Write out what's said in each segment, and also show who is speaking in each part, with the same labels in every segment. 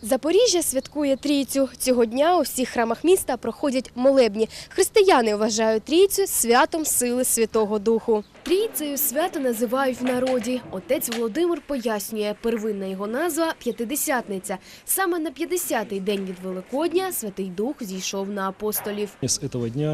Speaker 1: Запоріжжя святкує Трійцю. Цього дня у всіх храмах міста проходять молебні. Християни вважають Трійцю святом сили Святого Духу. Трійцею свято називають в народі. Отець Володимир пояснює, первинна його назва – П'ятидесятниця. Саме на 50-й день від Великодня Святий Дух зійшов на апостолів.
Speaker 2: С этого дня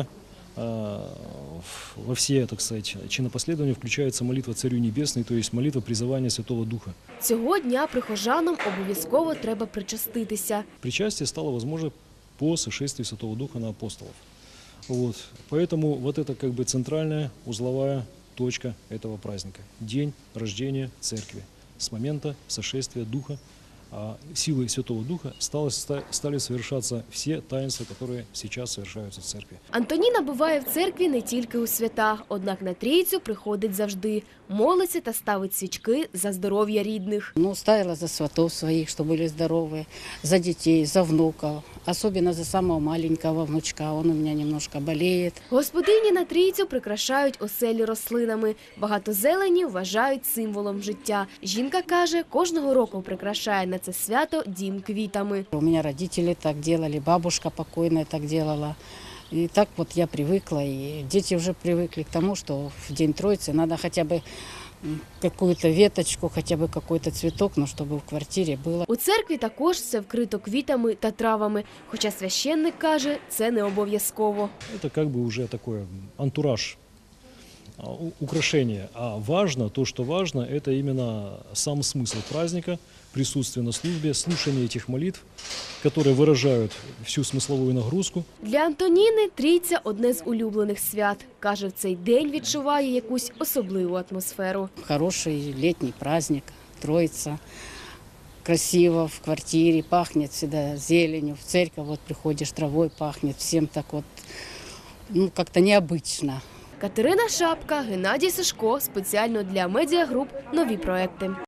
Speaker 2: во все, так сказать, чинопоследования включается молитва Царю Небесный, то есть молитва призывания Святого Духа.
Speaker 1: Цього дня прихожанам обов'язково треба причаститися.
Speaker 2: Причастие стало возможно по сошествию Святого Духа на апостолов. Вот. Поэтому вот это как бы центральная узловая точка этого праздника. День рождения Церкви. С момента сошествия Духа, силой Святого Духа стали совершаться все таинства, которые сейчас совершаются в Церкви.
Speaker 1: Антоніна буває в церкві не тільки у свята, однак на Трійцю приходить завжди. Молиться та ставить свічки за здоров'я рідних.
Speaker 3: Ставила за сватов своих, что были здоровые, за детей, за внуков. Особенно за самого маленького внучка, он у меня немножко болеет.
Speaker 1: Господині на Трійцю прикрашають оселі рослинами. Багато зелені вважають символом життя. Жінка каже, кожного року прикрашає на це свято дім квітами.
Speaker 3: У меня родители так делали, бабушка покойная так делала. И так вот я привыкла, и дети уже привыкли к тому, что в День Троицы надо хотя бы какую-то веточку, хотя бы какой-то цветок, но чтобы в квартире было.
Speaker 1: У церкві також все вкрито квітами та травами. Хоча священник каже, це не обов'язково.
Speaker 2: Это как бы уже такой антураж, украшение. А важно, то, что важно, это именно сам смысл праздника, присутствие на службе, слушание этих молитв, которые выражают всю смысловую нагрузку.
Speaker 1: Для Антоніни Трійця – одне з улюблених свят. Каже, в цей день відчуває якусь особливу атмосферу.
Speaker 3: Хороший летний праздник, Троица. Красиво в квартире, пахнет всегда зеленью. В церковь вот приходишь, травой пахнет. Всем так вот, как-то необычно.
Speaker 1: Катерина Шапка, Геннадій Сашко. Спеціально для медіагруп «Нові проекти».